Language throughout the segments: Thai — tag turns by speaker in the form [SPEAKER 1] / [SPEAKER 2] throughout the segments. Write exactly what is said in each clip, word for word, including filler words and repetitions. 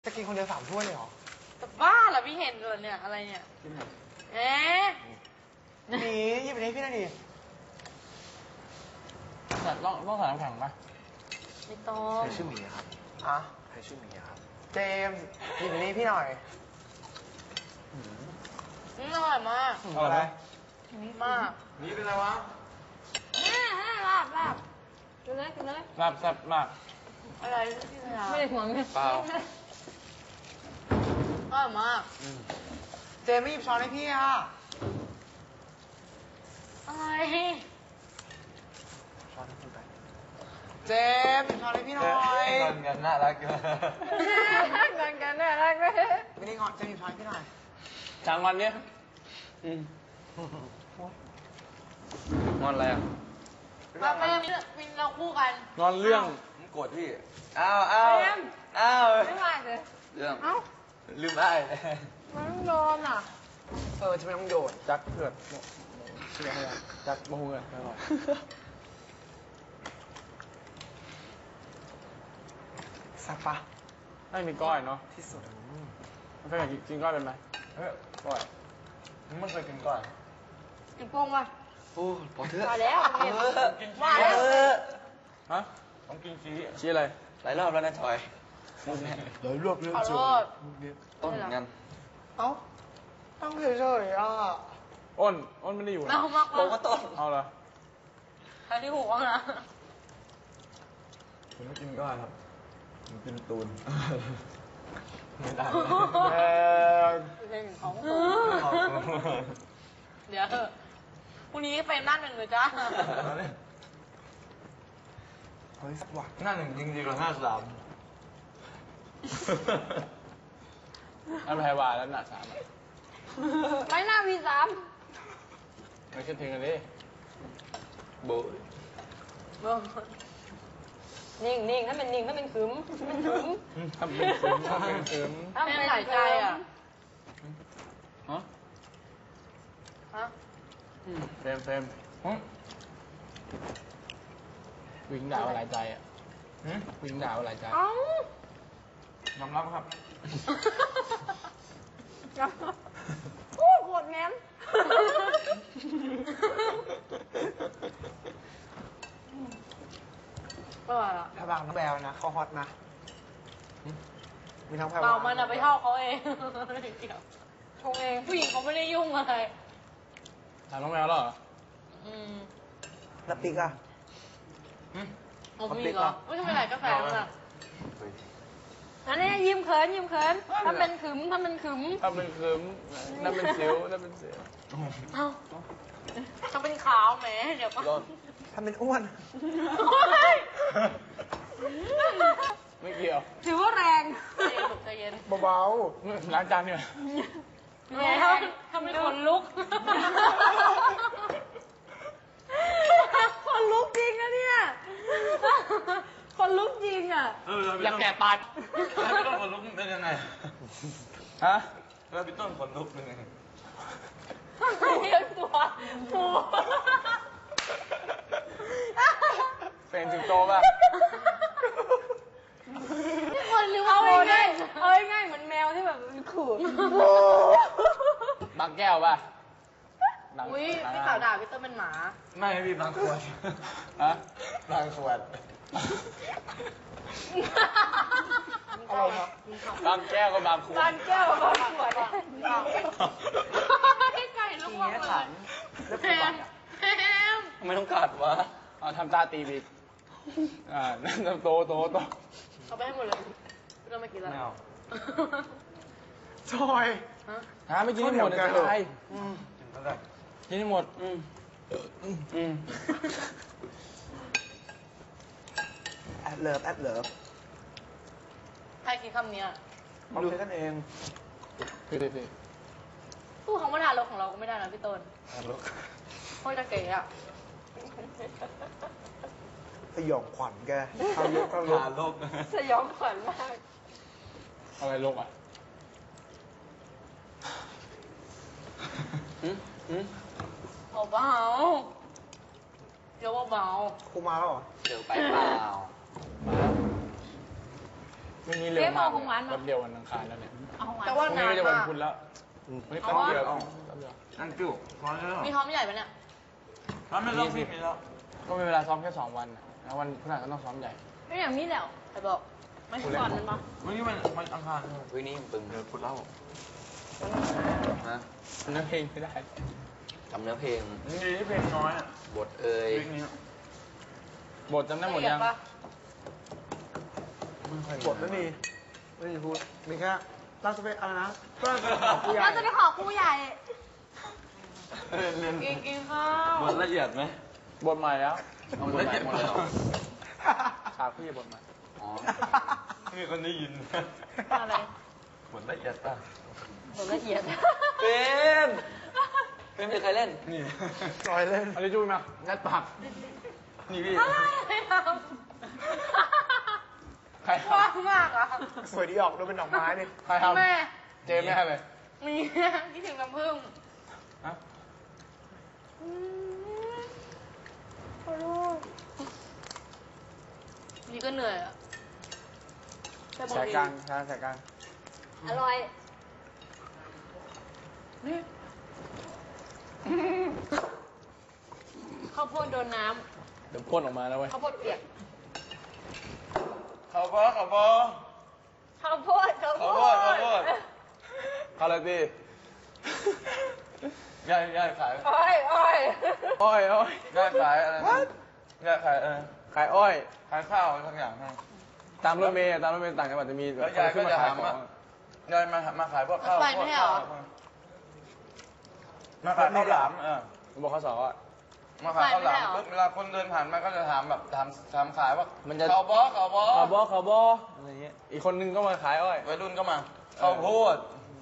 [SPEAKER 1] จะกินคนเดียวสามถ้วยเลยเหรอ
[SPEAKER 2] จะบ้าเหรอพี่เห็นเหรอเนี่ยอะไรเนี่ยเอ๊ะ
[SPEAKER 1] หนีหยิบไปให้พี่หน่อยดิ
[SPEAKER 3] แต่ต้องต้องใส่น้ำแข็งไหม
[SPEAKER 2] ไม่ต้อง
[SPEAKER 1] ใครชื่อหมีครับอ่ะใครชื่อหมีครับเจมส์หยิบไปให้พี่หน่อย
[SPEAKER 2] อืมอร่อยมาก
[SPEAKER 1] อร่อย
[SPEAKER 2] มาก
[SPEAKER 1] นี่เป็นอะไรวะ
[SPEAKER 2] แม่ให้ลาบลาบกินเลยกินเลย
[SPEAKER 3] ลาบแซ่บมาก
[SPEAKER 2] อะไรที่พยา
[SPEAKER 3] ไม่ได้ห่วงเนี่ยเปล่า
[SPEAKER 2] อร่อยมาก
[SPEAKER 1] เจมส์ไม่หยิบช้อนให้พี่อ่ะ
[SPEAKER 2] อะไร
[SPEAKER 1] ช้อนให้พี่ไปเจมส์หยิบช้อนให้พี่หน่อย
[SPEAKER 3] งอนกันน่ารักเกิน
[SPEAKER 2] งอนกันน่ารักเลย
[SPEAKER 1] ไม่ได้งอนเจมส์หยิบช้อนให้พี่หน่อย
[SPEAKER 3] จางงอนเนี่ยงอนอะไรอ่ะ
[SPEAKER 2] เราไม่มีเราคู่กัน
[SPEAKER 3] งอนเรื่อง
[SPEAKER 4] โกรธพี่อ้าวอ้าวอ้าว
[SPEAKER 2] ไม่ว่าเลย
[SPEAKER 4] เรื่อง
[SPEAKER 2] เอ้า
[SPEAKER 4] ลืมได้
[SPEAKER 2] มันต้องโดนอ่ะ
[SPEAKER 1] เออจะไม่ต้องโดด
[SPEAKER 3] จักเผือกเชื่อให้จักมะฮูเลยอร่อย
[SPEAKER 1] สับปะ
[SPEAKER 3] ไม่มีก้อยเนาะ
[SPEAKER 1] ที่สุด
[SPEAKER 3] ไม่เคยกินก้อยเป็นไหมเฮ้ยก้อยไม่เคยกินก้อย
[SPEAKER 2] กินโป่งป่ะ
[SPEAKER 4] โอ้พอเถอะ
[SPEAKER 2] มาแล้ว
[SPEAKER 4] กิน
[SPEAKER 2] มาแล้ว
[SPEAKER 3] ฮะต้องกินชีสชีสอะไร
[SPEAKER 4] หลายรอบแล้วนะทอย
[SPEAKER 1] หลายรอบแล้วจ้ะ
[SPEAKER 4] ต้นเหมือนกัน
[SPEAKER 1] เอ้าต้องเฉยๆอ่ะ
[SPEAKER 3] อ้นอ้นไม่ได้อยู่นะ
[SPEAKER 4] บอกว่าต้น
[SPEAKER 3] เอาเหรอ
[SPEAKER 2] ใครที่หูว่างนะ
[SPEAKER 4] ผมไม่กินก้อยครับผมกินตูนไม่ได้
[SPEAKER 1] แพง
[SPEAKER 2] เพลงของเดี๋ยวพรุ่งนี้เฟรมด้านหนึ่งเลยจ้า
[SPEAKER 1] เฮ้ยสักวัก
[SPEAKER 4] หน้าหนึ่งจริงๆกับหน้าสาม
[SPEAKER 3] อันแพรวาแล้วหน้าสาม
[SPEAKER 2] ไม่หน้าวีสาม
[SPEAKER 3] ไม่คิดถึงกันดิ
[SPEAKER 4] โบ
[SPEAKER 2] นิ่งนิ่งถ้าเป็นนิ่งถ้าเป็นขืมเป็นขืม
[SPEAKER 3] ทำเป็นขืมทำเป็นขืม
[SPEAKER 2] ถ้าเป็นหลายใจอ่ะ
[SPEAKER 3] ฮะ
[SPEAKER 2] ฮะ
[SPEAKER 3] เฟรมเฟรมวิ่งด่าวหลายใจอ่ะวิ่งด่าวหลายใจยอมรับครับ
[SPEAKER 2] โอ้โคตรแง้มก็ล่ะ
[SPEAKER 1] ถ้าบางน้องแบลนะเขาฮอตนะมีทั้งแพรวา
[SPEAKER 2] เรามันอะไปเท่าเขาเองชงเองผู้หญิงเขาไม่ได้ยุ่งอะไร
[SPEAKER 3] ถามน้องแมวแล้วเหรอ
[SPEAKER 2] อืม
[SPEAKER 1] แล้วปิ๊กอะ
[SPEAKER 2] เอาผู้หญิงเหรอไม่ใช่ไปไหนกาแฟมั้งอะอันนี้ยิ้มเขินยิ้มเขินถ้าเป็นขึมถ้าเป็นขึม
[SPEAKER 3] ถ้าเป็นขึมถ้าเป็นเสียวถ้าเป็นเสียว
[SPEAKER 2] เอ้าถ้าเป็นขาวแหมเดี๋ยวก็
[SPEAKER 1] ถ้าเป็นอ้วน
[SPEAKER 3] ไม่เกี่ยว
[SPEAKER 2] ถือว่าแรงใจเย็น
[SPEAKER 1] เบา
[SPEAKER 3] ๆล้างจานเนี่ย
[SPEAKER 2] แหมทำให้คนลุกคนลุกจริงนะเนี่ยคนลุกจริงอ่ะ
[SPEAKER 3] อยากแก่ตาย
[SPEAKER 4] แล้วพี่ต้นขนลุกเป็นยังไง
[SPEAKER 3] ฮะ
[SPEAKER 4] แล้วพี่ต้นขนลุกเป็นยังไง
[SPEAKER 2] เลี้ยงตัวหมู
[SPEAKER 3] เป็นสิงโตป่ะ
[SPEAKER 2] นี่คนหรือว่าเอาง่ายเอาง่ายเหมือนแมวที่แบบขู่
[SPEAKER 3] บางแก้วป่ะ
[SPEAKER 2] อุ้ยพี่สาวด่าพี่ต้นเป็นหมา
[SPEAKER 4] ไม่พี่บางขวด
[SPEAKER 3] ฮะ
[SPEAKER 4] บางขวด
[SPEAKER 1] อะไรครับ
[SPEAKER 3] บางแก้วกับบางขวด
[SPEAKER 2] บางแก้วกับบางขวดให้ไก่ลูกบอลเลยแพมแพม
[SPEAKER 4] ทำไมต้องกัดวะ
[SPEAKER 3] เอาทำตาตีบิกอ่านั่นโตโตโต
[SPEAKER 2] เอาไปให้หมดเลยพี่ต้นไม่กินแล้ว
[SPEAKER 4] ไม่เอา
[SPEAKER 1] จอย
[SPEAKER 3] ฮะไม่กินให้หมดเลยใครกินให้หมดอืมอืม
[SPEAKER 1] แอดเลิฟแอดเลิฟ
[SPEAKER 2] ใครกินคำนี้
[SPEAKER 1] เราใช้กันเอง
[SPEAKER 3] พี่พี่พี่
[SPEAKER 2] พูดคำว่าทารกของเราก็ไม่ได้นะพี่ต้น
[SPEAKER 4] ทารก
[SPEAKER 2] โคตรจะเก๋อะ
[SPEAKER 1] สยองขวัญแกทารกทาร
[SPEAKER 4] ก
[SPEAKER 2] สยองขวัญมาก
[SPEAKER 3] อะไรลกอ่ะ
[SPEAKER 4] อืมอืม
[SPEAKER 2] เบาเดี๋ยวเบา
[SPEAKER 1] ครูมาแล้วเหรอ
[SPEAKER 4] เดี๋ยวไปเปล่า
[SPEAKER 1] มี
[SPEAKER 3] ไม่นี้เร็ว
[SPEAKER 2] เจ๊
[SPEAKER 3] มาก
[SPEAKER 2] เอาของหวานมา
[SPEAKER 3] แป๊บเดียววันอังคารแล้วเนี่ย
[SPEAKER 2] เอาของหวาน
[SPEAKER 1] แต่
[SPEAKER 3] พ
[SPEAKER 1] ว่า
[SPEAKER 3] รุ่งนี้
[SPEAKER 1] นาน
[SPEAKER 3] ก็จะวัน
[SPEAKER 1] มาก
[SPEAKER 3] พุธแล้วเฮ้ย
[SPEAKER 2] เอา
[SPEAKER 3] แป๊บ
[SPEAKER 2] วะ
[SPEAKER 3] เดียวแป๊บเดียว
[SPEAKER 4] อันกิ้วพอแล้ว
[SPEAKER 2] มีหอมใหญ่ปะเนี่ย
[SPEAKER 4] ถ้าไม่ต้องมีแล้ว
[SPEAKER 3] ก็มีเวลาซ้อมแค่สองวันน่ะแล้ววันพฤหัสก็ต้องซ้อมใหญ่
[SPEAKER 2] ไม่อย่างนี้แล้วแต่บอกไม่ใช่ก่อนมันปะ
[SPEAKER 4] วันนี้มันมันอังคาร
[SPEAKER 5] วันนี้ปึง
[SPEAKER 4] เดี๋ยวพูดเล่า
[SPEAKER 5] ฮะ
[SPEAKER 3] เนื้อเพลงไม่ได้
[SPEAKER 5] จำเนื้อเพลง
[SPEAKER 4] นี่ที่เพลงน้อยอ่ะ
[SPEAKER 5] บทเอ่ย
[SPEAKER 4] เพลงนี้
[SPEAKER 3] บทจำได้หมดยัง
[SPEAKER 2] ละเอีปะ
[SPEAKER 3] ไม่ค่อย
[SPEAKER 1] บทไม่มีไม่มีพูดมีแค่เราจะไปอะไรนะเราจะไปขอผู้ใหญ่
[SPEAKER 2] เราจะไปขอครูใหญ่
[SPEAKER 4] เรียนเรียน
[SPEAKER 2] กินกินข้าว
[SPEAKER 4] บทละเอียดไหม
[SPEAKER 3] บทใหม่แล้ว
[SPEAKER 5] เอาบทใหม่หมดเลยเหรอ
[SPEAKER 3] ขาพี่บทใหม่
[SPEAKER 5] อ๋อ
[SPEAKER 4] มีคนได้ยิน
[SPEAKER 2] อะไร
[SPEAKER 4] บทละเอียดป่ะ
[SPEAKER 2] บทละเอียด
[SPEAKER 5] เป็นเป็นไม่เคยเล่น
[SPEAKER 4] นี่
[SPEAKER 1] จอยเล่น
[SPEAKER 3] เอะไรจุ้ยมางัดปาก
[SPEAKER 4] นี่พี่
[SPEAKER 2] อะไรไม่ท
[SPEAKER 3] ใคร
[SPEAKER 2] ำ
[SPEAKER 3] ท
[SPEAKER 2] ว่างมากอ่ะ
[SPEAKER 1] สวยดีออกดูเป็นดอกไม้ดิ
[SPEAKER 3] ำใครทำ
[SPEAKER 2] แม่
[SPEAKER 3] เจมส์ไม่ให้เลย
[SPEAKER 2] มีคิดถึงน้ำผึ้ง
[SPEAKER 3] ฮะ
[SPEAKER 2] อืมขอโทษนี่ก็เหนื่อยอ่ะแต่บาง
[SPEAKER 3] สาย
[SPEAKER 2] ที
[SPEAKER 3] กลางกลางสายกลาง
[SPEAKER 2] อร่อยนี่ข้าวโพดโดนน้
[SPEAKER 3] เดี๋ยวพ่นออกมาแล้วเว้ย
[SPEAKER 2] ำข้าวโพดเปียก
[SPEAKER 4] เขาบอเขาบอ
[SPEAKER 2] ข้าวโพดข้าวโพ
[SPEAKER 4] ข้าวโพดข้าวโพด
[SPEAKER 2] ด
[SPEAKER 3] เขาเลยพี่
[SPEAKER 4] ย่ายย่ายขาย
[SPEAKER 2] อ้อยอ้อย
[SPEAKER 3] อ้อยอ้อย
[SPEAKER 4] ย่ายขายอะไรนะย่ายขายอะไร
[SPEAKER 3] ขายอ้อย
[SPEAKER 4] ขายข้าวอะไรทั้งอย่างให้
[SPEAKER 3] ตามรถเมล์อะตามรถเมล์ต่างจังหวัดจะมี
[SPEAKER 4] แล้วยาย
[SPEAKER 3] คนขึ้นมา
[SPEAKER 4] ก็จะ
[SPEAKER 3] ขาย
[SPEAKER 4] หา
[SPEAKER 3] ของ
[SPEAKER 4] มา ยายมามาขายพวกข้าว
[SPEAKER 2] ไป
[SPEAKER 4] พว
[SPEAKER 2] ไม่
[SPEAKER 4] ก
[SPEAKER 2] ใช่เหร
[SPEAKER 4] ข้าว
[SPEAKER 2] อ
[SPEAKER 4] มาขายข้าวหลามเออ
[SPEAKER 3] บอกเขาสอนว่า
[SPEAKER 4] มาขายข้าวหลาม
[SPEAKER 2] ไปไม่ได้เหรอ
[SPEAKER 4] ปุ๊บเวลาคนเดินผ่านมาก็จะถามแบบถามถามขายว่า
[SPEAKER 3] มันจะ
[SPEAKER 4] ข้าวบอข้าวบอ
[SPEAKER 3] ขาวบอขาวบออะไรเงี้ย อีกคนนึงก็มาขายอ้อย
[SPEAKER 4] วัยรุ่นก็มาข้าวโพด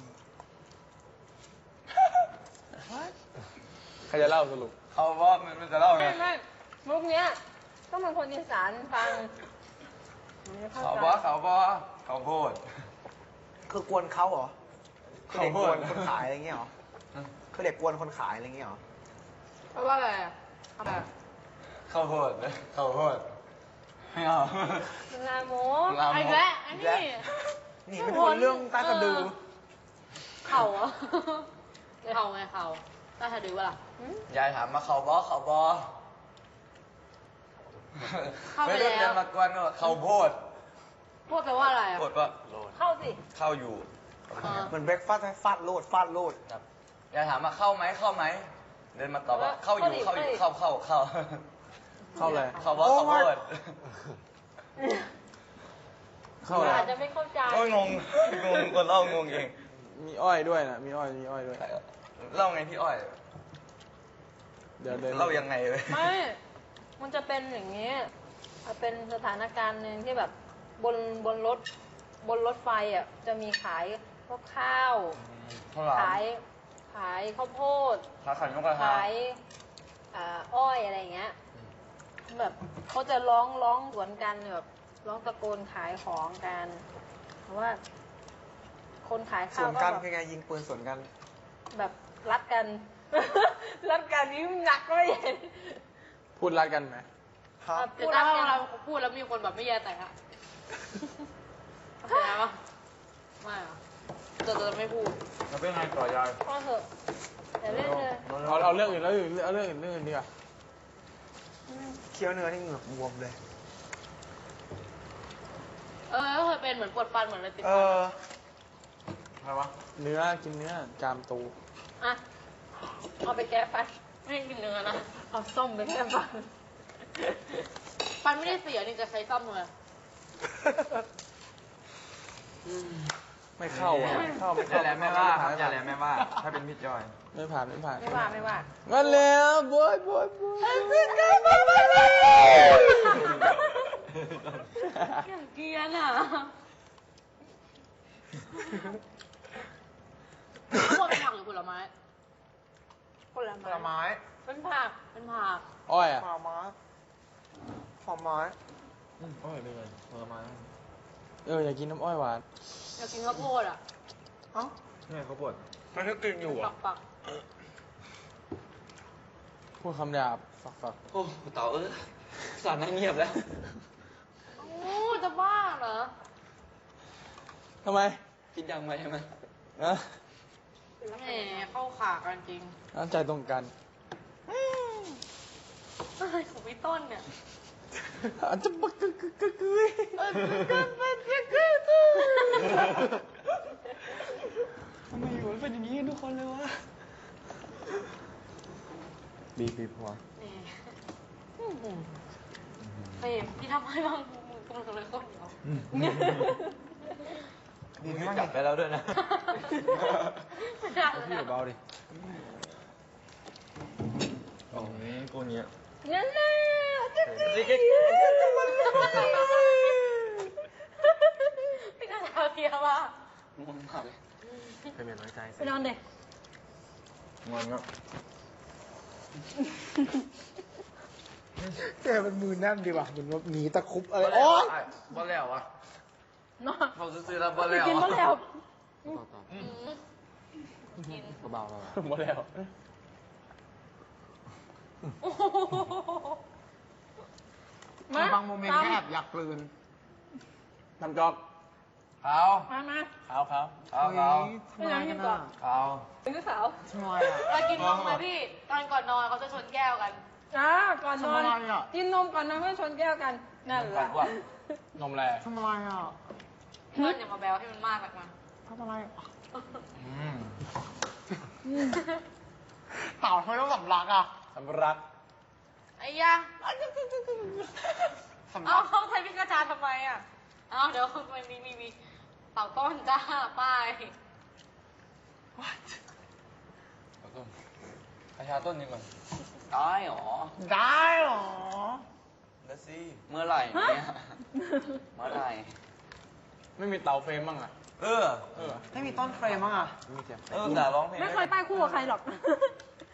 [SPEAKER 3] ใครจะเล่าสรุป
[SPEAKER 4] ข้าวบอมันมันจะเล่าไง
[SPEAKER 2] ไม่ไม่มุกเนี้ยต้องเป็นคนอีสานฟังไม่เข้า
[SPEAKER 4] ข้าว
[SPEAKER 2] ใจ
[SPEAKER 4] บอข้าวบอข้าวโพด
[SPEAKER 1] คือกวนเขาเหรอคือเด็ก
[SPEAKER 4] ข้าว
[SPEAKER 1] ก
[SPEAKER 4] โพ
[SPEAKER 1] ว
[SPEAKER 4] ด
[SPEAKER 1] นคนขายอะไรเงี้ยเหรอคือเด็กกวนคนขายอะไรเงี้ยเหรอ
[SPEAKER 2] เพราะว่าอะไรอะทำไม
[SPEAKER 4] ข้าวโพดเลยข้าวโพดไม่เอา
[SPEAKER 2] ลาโม
[SPEAKER 4] ลามก
[SPEAKER 2] ไอ้แกแล้วอันนี้
[SPEAKER 1] หนีไม่พ้นเรื่องใต้สะดือ
[SPEAKER 2] เข่าเหรอไม่เข่าไงเข่าใต้สะดือวะล่ะหืม
[SPEAKER 4] ยายถามมาข้าวบอข้าวบอ
[SPEAKER 2] เข้าไป
[SPEAKER 4] วัยรุ่น
[SPEAKER 2] แล้ว
[SPEAKER 4] เดินมากวนก็บอกข้าวโพด
[SPEAKER 2] พูดแปลว่าอะไรอะ
[SPEAKER 4] โพดก็
[SPEAKER 2] เข้าสิ
[SPEAKER 4] ข้าวอยู่
[SPEAKER 2] อ่า
[SPEAKER 1] เหมือนเบรกฟาสต์ฟาดโลดฟาดโลด
[SPEAKER 4] ครับยายถามมาเข้าไหมเข้าไหมเดินมาตอบว่าเข้าอยู่
[SPEAKER 2] เข้า
[SPEAKER 4] เข้า
[SPEAKER 2] ดิ
[SPEAKER 4] อยู่เข้าเข้าเข้า
[SPEAKER 3] เข้าอะไร
[SPEAKER 4] ข้าวบอข้าวโพด
[SPEAKER 3] เข้าอะไร
[SPEAKER 2] อาจจะไม่เข้าใจ
[SPEAKER 4] ก็งงงงคนเล่างงเอง
[SPEAKER 3] มีอ้อยด้วยนะ มีอ้อย มีอ้อยด้วย
[SPEAKER 4] เล่าไงพี่อ้อย
[SPEAKER 3] เดี๋ยวเดิน
[SPEAKER 4] เล่ายังไงเลย
[SPEAKER 2] ไม่ มันจะเป็นอย่างนี้มันเป็นสถานการณ์หนึ่งที่แบบบนบนรถบนรถไฟอ่ะจะมีขายพวกข้าว
[SPEAKER 4] ข้าวหลาม
[SPEAKER 2] ขายขายข้าวโพด
[SPEAKER 4] ขาขันนกกระทา
[SPEAKER 2] ขายอ่าอ้อยอะไรอย่างเงี้ย แบบเขาจะร้องร้องสวนกันแบบร้องตะโกนขายของกันเพราะว่า คนขาย
[SPEAKER 1] ส
[SPEAKER 2] ข้าว
[SPEAKER 1] วน
[SPEAKER 2] ก็
[SPEAKER 1] กัน
[SPEAKER 2] แบบ
[SPEAKER 1] คือไงยิงปืนสวนกัน
[SPEAKER 2] แบบรัดกัน รัดกันนี่หนักก็ไม่เห็น
[SPEAKER 3] พูดรัดกันไหม
[SPEAKER 1] ครับ
[SPEAKER 2] แต่ถ้าเราพูดแล้วมีคนแบบไม่แย่แต่อะเข้าใจไหมไม่อะจะจะไม่พูด
[SPEAKER 4] แล้วเป็นไงต่อยาย
[SPEAKER 2] ก็เถอะแต่เล่นเลย
[SPEAKER 3] เอาเอาเรื่องอื่นแล้วอื่นเอาเรื่องอื่นเรื่องอื่นดีกว่า
[SPEAKER 1] เคี้ยวเนื้อที่เหงือกบวมเลย
[SPEAKER 2] เออก็เคยเป็นเหมือนปวดฟันเหมือนอะไรติด
[SPEAKER 1] เอ
[SPEAKER 2] ฟัน
[SPEAKER 1] อ
[SPEAKER 4] อะไรวะ
[SPEAKER 3] เนื้อ กินเนื้อ จามตู
[SPEAKER 2] อ่ะเอาไปแก้ฟันไม่ให้กินเนื้อนะเอาส้มไปแก้ฟันฟันไม่ได้เสียนี่จะใช้ส้มเลย
[SPEAKER 3] ไม่เข้าอ่ะไม่เข้าไม่
[SPEAKER 4] อ
[SPEAKER 3] เข้า
[SPEAKER 4] ย่าแหลมแม่ว่าครับอย่าแหลมแม่ว่า ถ้าเป็นพี่จอย
[SPEAKER 3] ไม่ผ่านไม่ผ่าน
[SPEAKER 2] ไม่ว่าไม่ว่า
[SPEAKER 3] งั้นแล้วบอยบอยบอย
[SPEAKER 2] อย่างเกรียนอ่ะพวกเป็นผักหรือผลไม้ผล
[SPEAKER 1] ผลไม้
[SPEAKER 2] เป็นผักเป็นผัก
[SPEAKER 3] อ้อยอ่ะ
[SPEAKER 1] ผลไม้ผลไม้
[SPEAKER 4] อ้อยเลยผลไม้
[SPEAKER 3] เอออยากกินน้ำอ้อยหวาน
[SPEAKER 2] อยากกินข้าวโพดอ่ะ
[SPEAKER 1] เอ้า
[SPEAKER 4] นี่เขาปวดมันก็กินอยู่
[SPEAKER 2] ปั
[SPEAKER 4] อ่ะ
[SPEAKER 2] กปัก
[SPEAKER 3] พูดคำหยาบฝักฝัก
[SPEAKER 5] โอ้เต่าเออสารนั่งเงียบแล้ว
[SPEAKER 2] โอ้จะบ้าเหรอ
[SPEAKER 4] ทำไม
[SPEAKER 5] คิดดังไปใช่ไหม
[SPEAKER 4] นะ
[SPEAKER 2] แหมเข้าขากันจริง
[SPEAKER 4] น้ำใจตรงกัน
[SPEAKER 2] อะไรของพี่ต้นเนี่ย
[SPEAKER 4] อาจจะบักกึกกึกกึกกึยทำไมอยู่เป็นอย่างนี้ทุกคนเลยวะบีบบีบหัว
[SPEAKER 2] แหมเฟรมพี่ทำให้บ้างมึงมึงเลยคนเดียว
[SPEAKER 1] ดีไหม
[SPEAKER 5] จับไปแล้วด้วยนะ
[SPEAKER 2] ไม่ได้
[SPEAKER 4] พี่
[SPEAKER 2] แล้ว
[SPEAKER 4] เบาดิโอ้ยกูเนี้ย
[SPEAKER 2] นั่นแหละพี่กระทาเพียว่า
[SPEAKER 5] งงมากเลย
[SPEAKER 1] เป็นเหมือนน้อยใจ
[SPEAKER 2] ไปนอนเด็ก
[SPEAKER 4] งอนครับ
[SPEAKER 1] แกเป็นมือแน่นดีว่ะเหมือนว่าหนีตะคุบอะไร
[SPEAKER 3] บอล
[SPEAKER 1] โอ๊ย
[SPEAKER 3] บอลแล้ววะ
[SPEAKER 2] นอน
[SPEAKER 3] เขาซื้อแล้วบอลแล้ว
[SPEAKER 2] กินมะแล้ว
[SPEAKER 1] กินเบาๆเบา
[SPEAKER 3] บอลแล้ว
[SPEAKER 2] โอ้โห
[SPEAKER 1] ๆบางโมเมนต์แอบอยากกลืน
[SPEAKER 3] ทำจอกเขา
[SPEAKER 2] มามา
[SPEAKER 3] เขาเขาเขาเขา
[SPEAKER 2] ไม่น้ำกินก่อน
[SPEAKER 3] เขา
[SPEAKER 2] เป็นลูกสาว
[SPEAKER 1] ทำไมอ่ะ
[SPEAKER 2] เรากินนมไหมพี่ ตอนก่อนนอนเขาจะชนแก้วกัน
[SPEAKER 6] อ่าก่อนนอน
[SPEAKER 1] ทำอะไรอ่ะ
[SPEAKER 6] กินนมก่อนนอนเพื่อชนแก้วกัน นั่นแห
[SPEAKER 3] กั
[SPEAKER 6] ละ
[SPEAKER 3] นว่ะนมแร่
[SPEAKER 1] ทำอะไรอ่ะ
[SPEAKER 2] เพื่อนอย่ามาแบวให้มันมากนักมา
[SPEAKER 1] ทำอะไรอ่ะ
[SPEAKER 3] อืม
[SPEAKER 1] เต่าทำไมต้องสำลักอ่ะ
[SPEAKER 3] สำรัก
[SPEAKER 2] ไอ้ยา
[SPEAKER 1] สำ
[SPEAKER 2] เอา
[SPEAKER 1] ลัก
[SPEAKER 2] เข้าไทยพิกาจาทำไมอ่ะ เอาเดี๋ยวมันมีมีมีเต่าต้นจ้าป้าย
[SPEAKER 3] เอาต้นประชาต้นนี้ก่อน
[SPEAKER 5] ได้หรอ
[SPEAKER 1] ได้เหรอ
[SPEAKER 5] ได้สิ เมื่อไหร่เนี่ย เมื่อไหร่
[SPEAKER 3] ไม่มีเตาเฟรมบ้างอ่ะ
[SPEAKER 5] เออ
[SPEAKER 3] เออ
[SPEAKER 1] ไม่มีต้นเฟรมมั้งอ่ะ
[SPEAKER 5] เออแต่ร้องเพลง
[SPEAKER 6] ไม่เคยป้ายคู่กับใครหรอก